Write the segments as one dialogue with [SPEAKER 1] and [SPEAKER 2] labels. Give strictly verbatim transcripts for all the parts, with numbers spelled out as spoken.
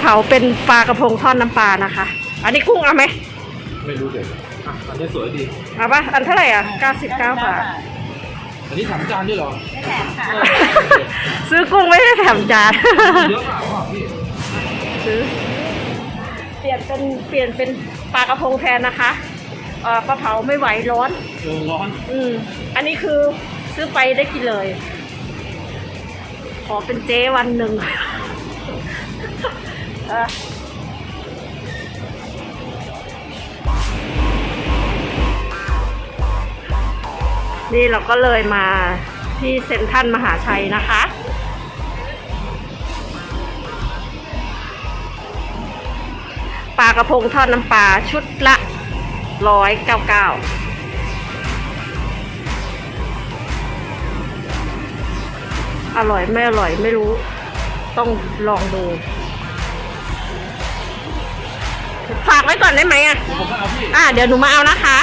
[SPEAKER 1] เผาเป็นปลากระพงทอดน้ำปลานะคะ อันนี้กุ้งเอาไหม
[SPEAKER 2] ไม่รู้เลยอ่ะอันนี้สวยดี
[SPEAKER 1] เอาปะอันเท่าไหร่อ่ะเก้าสิบเก้าบาท
[SPEAKER 2] อันนี้แถมจานด้วยเหรอ
[SPEAKER 3] ไม่แถมค่ะ
[SPEAKER 1] ซื้อกุ้งไม่ได้แถมจาน
[SPEAKER 2] เยอะมากว่ะพี่
[SPEAKER 1] ซื้อเปลี่ยนเป็นเปลี่ยนเป็นปลากระพงแทนนะคะเออปลาเผาไม่ไหวร้อน
[SPEAKER 2] เออร้อน
[SPEAKER 1] อืมอันนี้คือซื้อไปได้กินเลยขอเป็นเจ๊วันหนึ่งนี่เราก็เลยมาที่เซ็นทรัลมหาชัยนะคะปลากระพงทอดน้ำปลาชุดละร้อยเก้าเก้าอร่อยไม่อร่อยไม่รู้ต้องลองดูฝากไว้ก่อนได้ไหมอ่ะอ่ะเดี๋ยวหนูมาเอานะคะ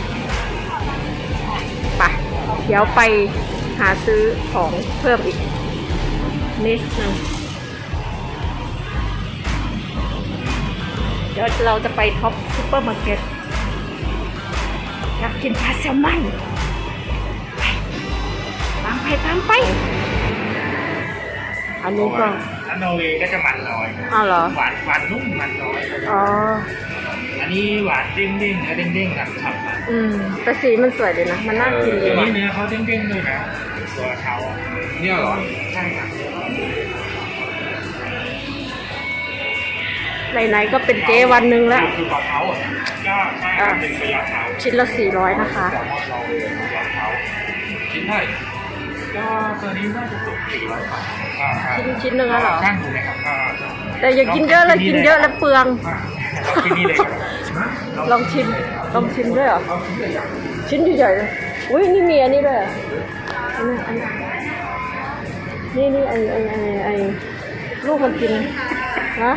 [SPEAKER 1] ไปเดี๋ยวไปหาซื้อของเพิ่มอีกนิดนึงเดี๋ยวเราจะไปท็อปซุปเปอร์มาร์เก็ตอยากกินปลาแซลมอนไปตามไปตามไปอันนี้ก็
[SPEAKER 4] อันนอร์เวย์ก็จะมันน้อย
[SPEAKER 1] อ้าวเหรอ
[SPEAKER 4] หวานหวานนุ่มมันน้อย
[SPEAKER 1] อ๋อ
[SPEAKER 4] อันนี้หวานเด้งเด้งเนื้อเด้งเด้งกับฉ่ำ
[SPEAKER 1] อืมแต่สีมันสวยเลยนะมันน่ากินเลย
[SPEAKER 4] อันนี้เนื้อเขาเด้งเด้งด้วยนะตัวเขา
[SPEAKER 2] เนี่ยเหรอ
[SPEAKER 4] ใช่ครับ
[SPEAKER 1] ไหนๆก็เป็นเจ๊วันหนึ่งแล้ว
[SPEAKER 4] คือปลาเท้าอ่ะก็ใช่ครับเป็นปลาเท้า
[SPEAKER 1] ชิ้นละสี่ร้อยนะคะ
[SPEAKER 4] แต่ว่าเราปลาเท้า
[SPEAKER 2] ชิ้นเท่าไหร่
[SPEAKER 4] ก็ตัวนี้น่าจะตกสี่ร้อยบาท
[SPEAKER 1] ชิ้นชิ้นหนึ่งแล้วเหรอ
[SPEAKER 4] ช่างดูไหมครับ
[SPEAKER 1] แต่อย่ากินเยอะเลยกินเยอะแล้วเปลือง
[SPEAKER 4] ที่นี่เลย
[SPEAKER 1] ลองชิมลองชิมด้วยเหรอชิ้นใหญ่ๆเลยอุ้ยนี่มีอันนี้ด้วยอันนี้อันนี้นี่นี่ไอไอไอไอลูกมันกินนะ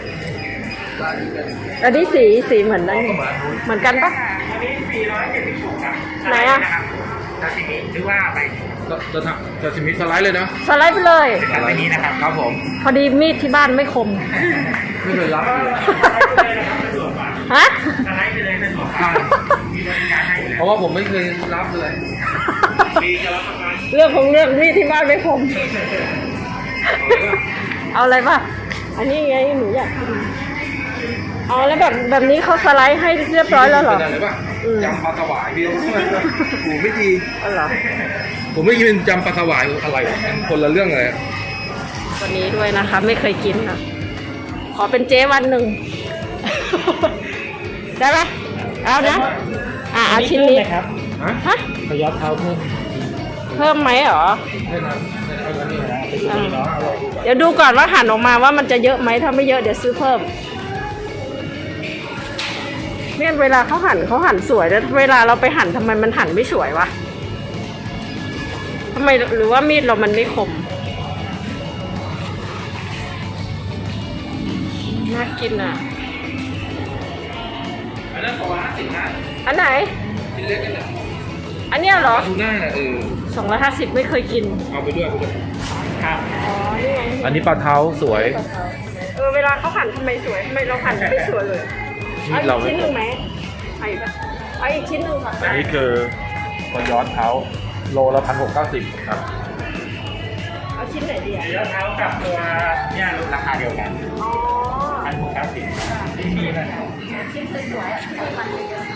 [SPEAKER 1] อันนี้สีสีเหมือนนั่นเหมือนกันปะ
[SPEAKER 4] อันนี้สี่ร้อยเจ็ดสิบหกครับ
[SPEAKER 1] ไหนอ่ะ
[SPEAKER 4] ซาซิมิหรือว่าไป
[SPEAKER 2] จะทำจะซิมิสไลด์เลยนะ
[SPEAKER 1] สไลด์ไปเลย
[SPEAKER 4] แบบนี้นะครับครับผม
[SPEAKER 1] พอดีมีดที่บ้านไม่คม
[SPEAKER 2] ไม่เคยรับเลย
[SPEAKER 1] ฮะ
[SPEAKER 4] สไลด์ไปเลยสะดวกมากมีบริการให้
[SPEAKER 2] เพราะว่าผมไม่เคยรับเลย
[SPEAKER 1] เรื่องของเรื่องมีดที่บ้านไม่คมเอาอะไรป่ะอันนี้ไงหนูอยากกินอ๋อแล้วแบบแบบนี้เขาสไลด์ให้เรียบร้อยแล้วเหรอย
[SPEAKER 2] ำปลาสวายพี่หูไม่ดี
[SPEAKER 1] อะไร
[SPEAKER 2] ผมไม่กินยำปลาสวายอะไรคนละเรื่องเลย
[SPEAKER 1] วันนี้ด้วยนะคะไม่เคยกินค่ะขอเป็นเจ๊วันหนึ่งได้ไหมเอานะอ่ะเอาชิ้นนี้
[SPEAKER 4] ครับ
[SPEAKER 1] ฮะ
[SPEAKER 4] ขยับเท้าเพิ่ม
[SPEAKER 1] เพิ่มไหมเหรอ
[SPEAKER 2] ไม่นะเอาตัวนี้นะ
[SPEAKER 1] เดี๋ยวดูก่อนว่าหั่นออกมาว่ามันจะเยอะไหมถ้าไม่เยอะเดี๋ยวซื้อเพิ่มเนี่ยเวลาเขาหั่นเขาหั่นสวยแล้วเวลาเราไปหั่นทำไมมันหั่นไม่สวยวะทำไมหรือว่ามีดเรามันไม่คมน่ากินอ่ะ
[SPEAKER 2] อันนั้นสองร้อยห้าสิบนะ
[SPEAKER 1] อันไหน
[SPEAKER 2] ชิ้นเล็กกันเนี่ย
[SPEAKER 1] อันเนี้ยเหรอ
[SPEAKER 2] ดูหน้าน่ะเออ
[SPEAKER 1] สองร้อยห้าสิบไม่เคยกิน
[SPEAKER 2] เอาไปด้วยไปด้วย
[SPEAKER 4] ครับ
[SPEAKER 1] อ๋อนี่ไง
[SPEAKER 2] อันนี้ปลาเท้าสวย
[SPEAKER 1] เออเวลาเขาหั่นทำไมสวยทำไมเราหั่นไม่สวยเลยเอาอีกชิ้นหนึ่งไหมเอาอีกเอาอีกชิ้นหนึ่งค่ะ
[SPEAKER 2] อันนี้คือตัวย้อนเท้าโลละพันหกเก้าสิบครับ
[SPEAKER 1] เอาชิ้นไหนดีอ่ะ
[SPEAKER 4] ย้อนเท้ากับตัวเนี่ยราคาเดียวกัน
[SPEAKER 1] อ๋อ
[SPEAKER 4] พันหกเก้าสิบที่มีนะ
[SPEAKER 1] ชิ้นสวยๆอ่ะมันเยอะ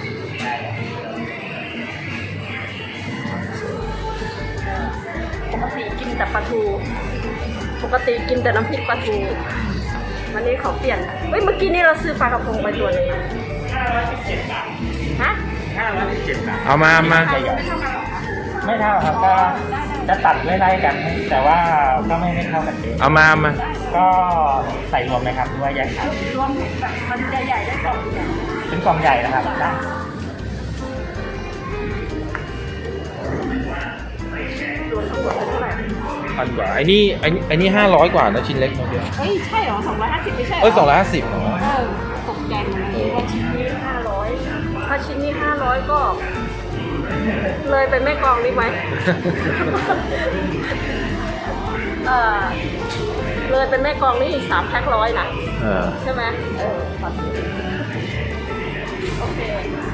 [SPEAKER 1] ปกติกินแต่ปลาทูปกติกินแต่น้ำพริกปลาทูวันนี้ขอเปลี่ยนเฮ้ยเมื่อกี้นี้เราซื้อปลากระพงไปตัวนึง
[SPEAKER 4] ห้าร้อยสิบเจ็ดบาท
[SPEAKER 1] ฮะ
[SPEAKER 4] ห้าร้อยสิบเจ็ดบาท
[SPEAKER 2] เอามามา
[SPEAKER 4] ไม่เท่าครับก็จะตัดไล่ๆกันแต่ว่าก็ไม่ไม่เท่ากันเอง
[SPEAKER 2] เอามามา
[SPEAKER 4] ก็ใส่รวมไหมครับหรือว่าแยกขาย
[SPEAKER 1] รวมแบบมันใหญ่ๆได้กล่องใหญ่
[SPEAKER 4] เป็นกล่องใหญ่นะครับได้
[SPEAKER 1] รวมทั้งหมดเป็นเท่าไหร่
[SPEAKER 2] พันกว่าไอ้นี่ไอ้ไอ้นี่ห้าร้อยกว่านะชิ้นเล็กเนาะเดียว
[SPEAKER 1] เฮ้ยใช่เหรอสองร้อยห้าสิบไม่ใช่เหรอ
[SPEAKER 2] เอ้ยสองร้อยห้าสิบเหรอ
[SPEAKER 1] เออตกใจหมดเลยว่าชิ้นนี้ห้าร้อยถ้าชิ้นนี้ห้าร้อยก็เลยไปแม่กลองนี่ไหมเออรเลยเป็นแม่กลองนี่สามแพ็คร้อยนะ
[SPEAKER 2] เออ
[SPEAKER 1] ใช่ไหมเออปลาทูโอเค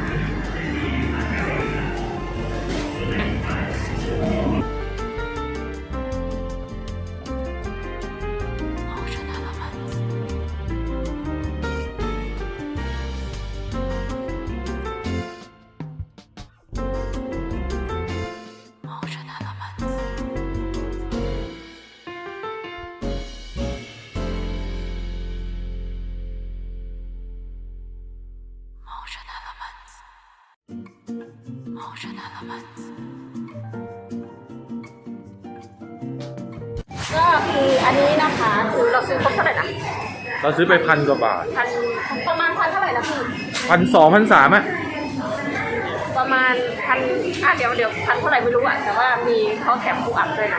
[SPEAKER 1] ก็คืออันนี้นะคะคือเราซื้อครบเท่าไหร่นะ
[SPEAKER 2] เราซื้อไปพันกว่าบาท
[SPEAKER 1] พันประมาณพันเท่าไหร่นะพี่
[SPEAKER 2] พันสองพันสามอ่ะ
[SPEAKER 1] ประมาณพันอ่ะเดี๋ยวเดี๋ยวพันเท่าไหร่ไม่รู้อ่ะแต่ว่ามีเขาแถมปูอัดด้วยนะ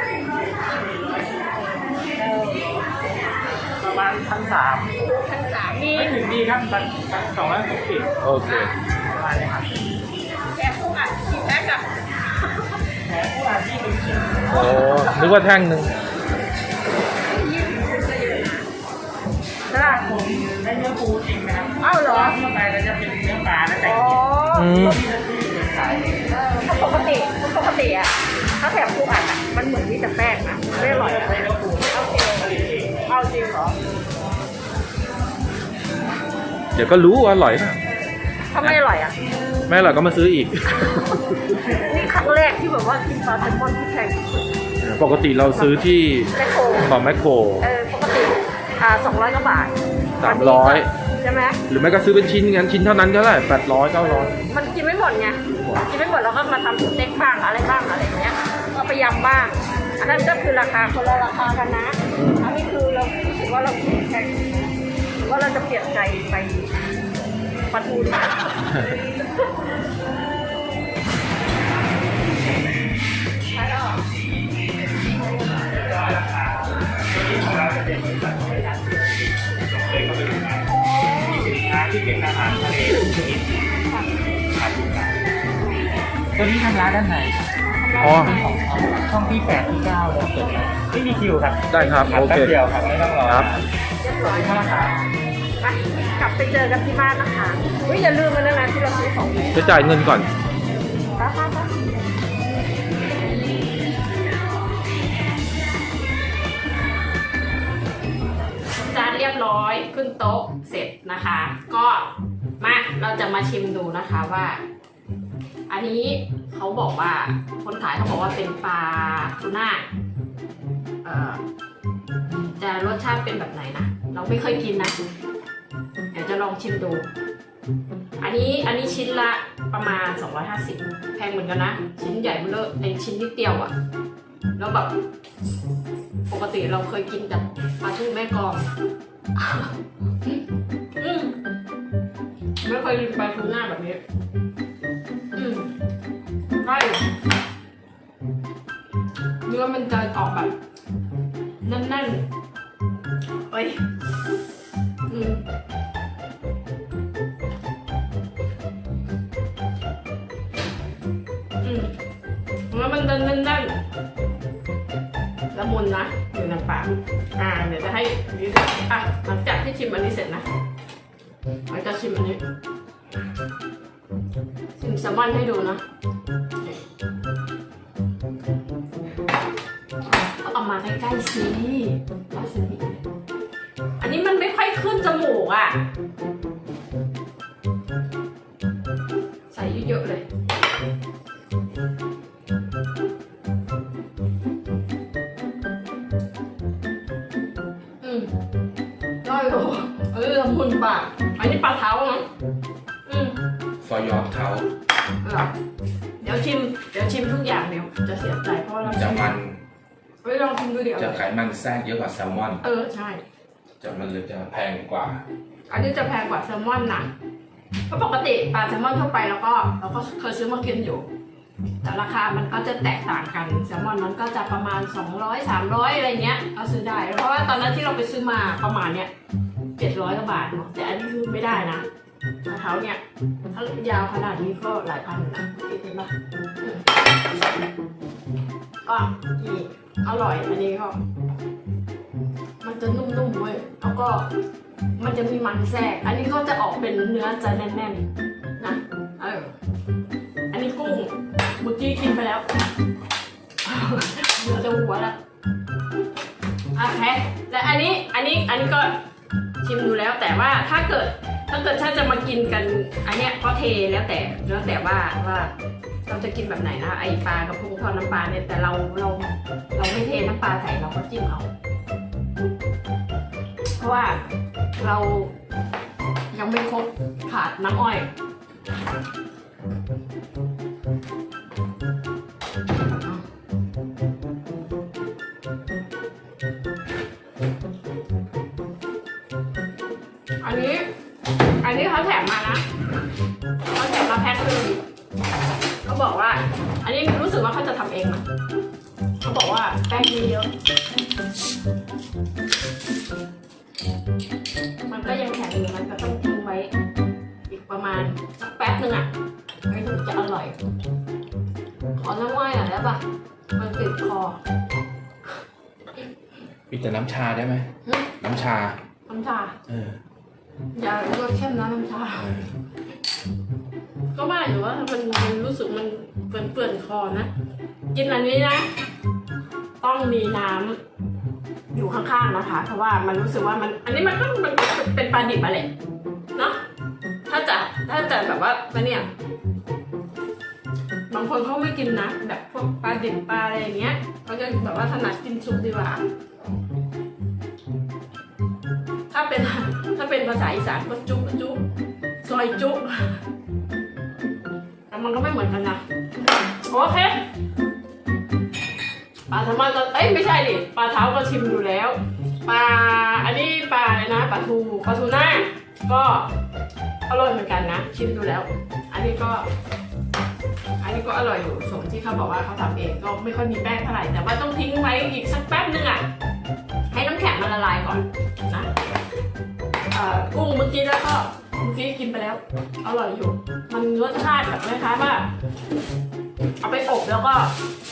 [SPEAKER 4] ประมาณพันสาม
[SPEAKER 1] พันสามมี
[SPEAKER 4] ไม่ถึงดีครับพันพันสองร้อยหกสิบ
[SPEAKER 2] โอเค
[SPEAKER 4] ประมาณนี้ครับ
[SPEAKER 1] แถมปูอัดกี่แพ็คอะ
[SPEAKER 4] แถมผู้อ่านที่หนึ่งชิ้น
[SPEAKER 2] โอ้นึกว่าแท่งหนึ่ง
[SPEAKER 1] ได้
[SPEAKER 4] ผมได้เนื้อปูจริงนะครับ
[SPEAKER 1] อ้าวเหรอ
[SPEAKER 4] ทั่วไปเราจะเป็นเนื้อปลาและแต่
[SPEAKER 1] อ๋อ
[SPEAKER 2] อืม
[SPEAKER 4] ที่เราซื้อเป็นขาย
[SPEAKER 1] เออเพราะปกติปกติอะถ้าแถมปูอัดอะมันเหมือนมีแต่แป้งนะไม่อร่อยอะ
[SPEAKER 4] ใช้เนื้อปู
[SPEAKER 1] โอเค
[SPEAKER 4] ผลิตเอง
[SPEAKER 1] เอาจริงเหรอ
[SPEAKER 2] เดี๋ยวก็รู้ว่าอร่อยนะ
[SPEAKER 1] ถ้าไม่อร่อยอะ
[SPEAKER 2] ไม่อร่อยก็มาซื้ออีก
[SPEAKER 1] นี่ครั้งแรกที่แบบว่ากินปลาแซลมอนที่แพงที่สุด
[SPEAKER 2] ปกติเราซื้อที่
[SPEAKER 1] แมคโคร
[SPEAKER 2] ต่อแมคโคร
[SPEAKER 1] เออปกติอ่าสองร้อยกว่าบาท
[SPEAKER 2] สามร้อย
[SPEAKER 1] ใช่ไหม
[SPEAKER 2] หรือไม่ก็ซื้อเป็นชิ้นงั้นชิ้นเท่านั้นก็ได้แปดร้อยเก้าร้อย
[SPEAKER 1] มันกินไม่หมดไงกินไม่หมดเราก็มาทำสเต็กบ้างอะไรบ้างอะไรอย่างเงี้ยก็ไปยำบ้าง อันนั้นก็คือราคาคนละราคากันนะ อันนี้คือเรารู้สึกว่าเราคิดแพงว่าเราจะเปลี่ยนใจไปปลาทูดีกว่าใช่หรอ
[SPEAKER 4] ของเราจะเป็นบริษัทบริการเลยก็เป็นสินค้าที่เป็นอาหารทะเลทุกชนิดขายทุกอย่างตัวนี้ทำร้านด้านไหน
[SPEAKER 2] อ๋อ
[SPEAKER 4] เป็นของช่องที่แปดที่เก้าเราเปิดไม่มีคิวครับ
[SPEAKER 2] ได้ครับ
[SPEAKER 4] ทำ
[SPEAKER 2] โอ
[SPEAKER 4] แป๊
[SPEAKER 2] เค
[SPEAKER 4] บเดียวครับไม่ต้องรอ
[SPEAKER 2] ครับ
[SPEAKER 1] เรียบร้อย
[SPEAKER 4] ข้าวขา
[SPEAKER 1] ไปกลับไปเจอกันที่บ้านนะคะเฮ้ยอย่าลืมมันนะนะที่เราซื้อของนี้
[SPEAKER 2] จะจ่ายเงินก่อน
[SPEAKER 1] ป้าป้าป้าจานเรียบร้อยขึ้นโต๊ะเสร็จนะคะ ก็มาเราจะมาชิมดูนะคะว่า อันนี้เขาบอกว่าคนขายเขาบอกว่าเป็นปลาทูน่าเอ่อจะรสชาติเป็นแบบไหนนะเราไม่เคยกินนะเดี๋ยวจะลองชิมดู อันนี้อันนี้ชิ้นละประมาณสองร้อยห้าสิบแพงเหมือนกันนะชิ้นใหญ่เบ้อเร่อในชิ้นนิดเดียวอะแล้วแบบปกติเราเคยกินแต่ปลาทูแม่กลองอืมไม่เคยกินปลาทูน่าแบบนี้อืมได้อยู่เนื้อมันจะออกแบบแน่นๆเอ้ยอืมอืมแล้วมันจะแน่นๆละมุนนะอยู่ในปากอ่าเดี๋ยวจะให้ยืดอ่ะหลังจากที่ชิมอันนี้เสร็จนะเราจะชิมอันนี้ชิมแซลมอนให้ดูนะเอามาใกล้ๆสิวาซาบิอันนี้มันไม่ค่อยขึ้นจมูกอ่ะใส่เยอะๆเลยอืมได้เหรอเออละมุนปากอันนี้ปลาเท้านะอืม
[SPEAKER 2] ฟอยอเท้า
[SPEAKER 1] เหรอเดี๋ยวชิมเดี๋ยวชิมทุกอย่างเดี๋ยวจะเสียใจเพราะว่าเรา
[SPEAKER 3] จะมัน
[SPEAKER 1] เฮ้ยลองชิมดูเดี๋ยว
[SPEAKER 3] จะไขมันแทรกเยอะกว่าแซลมอน
[SPEAKER 1] เออใช่
[SPEAKER 3] จะมันเลยจะแพงกว่า
[SPEAKER 1] อันนี้จะแพงกว่าแซลมอนนะเพราะปกติปลาแซลมอนทั่วไปแล้วก็เราก็เคยซื้อมากินอยู่ แต่ราคามันก็จะแตกต่างกันแซลมอนมันก็จะประมาณสองร้อย สามร้อยอะไรเงี้ยเอาซื้อได้เพราะว่าตอนนั้นที่เราไปซื้อมาประมาณเนี้ยเจ็ดร้อยกว่าบาทเนาะแต่อันนี้คือไม่ได้นะรองเท้าเนี่ยถ้ายาวขนาดนี้ก็หลายพันอยู่นะเห็นปะอืมก็อีกอร่อยอันนี้ก็มันจะนุ่มๆเว้ยแล้วก็มันจะมีมันแทรกอันนี้ก็จะออกเป็นเนื้อจะแน่นๆนะเอออันนี้กุ้งเมื่อกี้กินไปแล้วเนื้อจะหัวแล้วโอเคและอันนี้อันนี้อันนี้ก็ชิมดูแล้วแต่ว่าถ้าเกิดถ้าเกิดถ้าจะมากินกันอันเนี้ยก็เทแล้วแต่แล้วแต่ว่าว่าเราจะกินแบบไหนนะไอปลากระพงทอดน้ำปลาเนี่ยแต่เราเราเราไม่เทน้ำปลาใส่เราก็จิ้มเอาเพราะว่าเรายังไม่ครบขาดน้ำอ้อยอันนี้อันนี้เขาแถมมานะเขาแถมมาแพ็คนึงเขาบอกว่าอันนี้รู้สึกว่าเขาจะทำเองนะเขาบอกว่าแป้งเยอะมันก็ยังแข็งอยู่มันก็ต้องทิ้งไว้อีกประมาณสักแป๊บนึงอ่ะไม่ถึงจะอร่อยขอน้ำอ้อยหน่อยได้ปะมันติดคอ
[SPEAKER 3] มีแต่น้ำชาได้ไหมน้ำชา
[SPEAKER 1] น้ำชา
[SPEAKER 3] เออ
[SPEAKER 1] อย่าเลือกเข้มนะน้ำชา
[SPEAKER 3] เออ
[SPEAKER 1] ก็ว่าอยู่ว่ามันมันรู้สึกมันเปื่อนเปื่อนคอนะกินอันนี้นะต้องมีน้ำอยู่ข้างๆนะคะเพราะว่ามันรู้สึกว่ามันอันนี้มันก็มันเป็นปลาดิบอะไรเนาะถ้าจะถ้าจะแบบว่าเนี่ยบางคนเขาไม่กินนะแบบพวกปลาดิบปลาอะไรอย่างเงี้ยเขาจะแบบว่าถนัดกินซุปดีกว่าถ้าเป็นถ้าเป็นภาษาอีสานก็จุ๊บจุ๊บซอยจุ๊บแต่มันก็ไม่เหมือนกันนะโอเคปลาแซลมอนก็เอ้ยไม่ใช่ดิปลาเท้าก็ชิมอยู่แล้วปลาอันนี้ปลาอะไรนะปลาทูปลาทูน่าก็อร่อยเหมือนกันนะชิมดูแล้วอันนี้ก็อันนี้ก็อร่อยอยู่สมที่เขาบอกว่าเขาทำเองก็ไม่ค่อยมีแป้งเท่าไหร่แต่ว่าต้องทิ้งไว้อีกสักแป๊บนึงอ่ะให้น้ำแข็งมันละลายก่อนนะกุ้งเมื่อกี้แล้วก็เมื่อกี้กินไปแล้วอร่อยอยู่มันรสชาติแบบคล้ายๆว่าเอาไปอบแล้วก็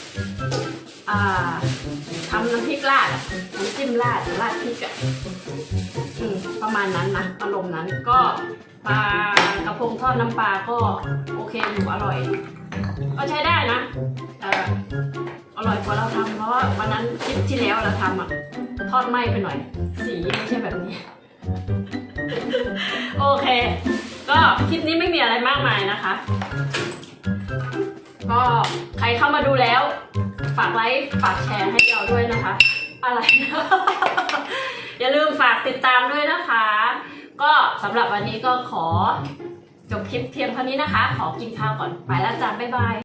[SPEAKER 1] ทำน้ำพริกราดน้ำจิ้มราดราดพริกอ่ะประมาณนั้นนะอารมณ์นั้นก็ปลากระพงทอดน้ำปลาก็โอเคอยู่อร่อยก็ใช้ได้นะแต่อร่อยกว่าเราทำเพราะว่าวันนั้นคลิปที่แล้วเราทำอ่ะทอดไหม้ไปหน่อยสีไม่ใช่แบบนี้โอเคก็คลิปนี้ไม่มีอะไรมากมายนะคะก็ใครเข้ามาดูแล้วฝากไลค์ฝากแชร์ให้เราด้วยนะคะอะไรนะอย่าลืมฝากติดตามด้วยนะคะก็สำหรับวันนี้ก็ขอจบคลิปเพียงเท่านี้นะคะขอกินข้าวก่อนไปแล้วจ้าบ๊ายบาย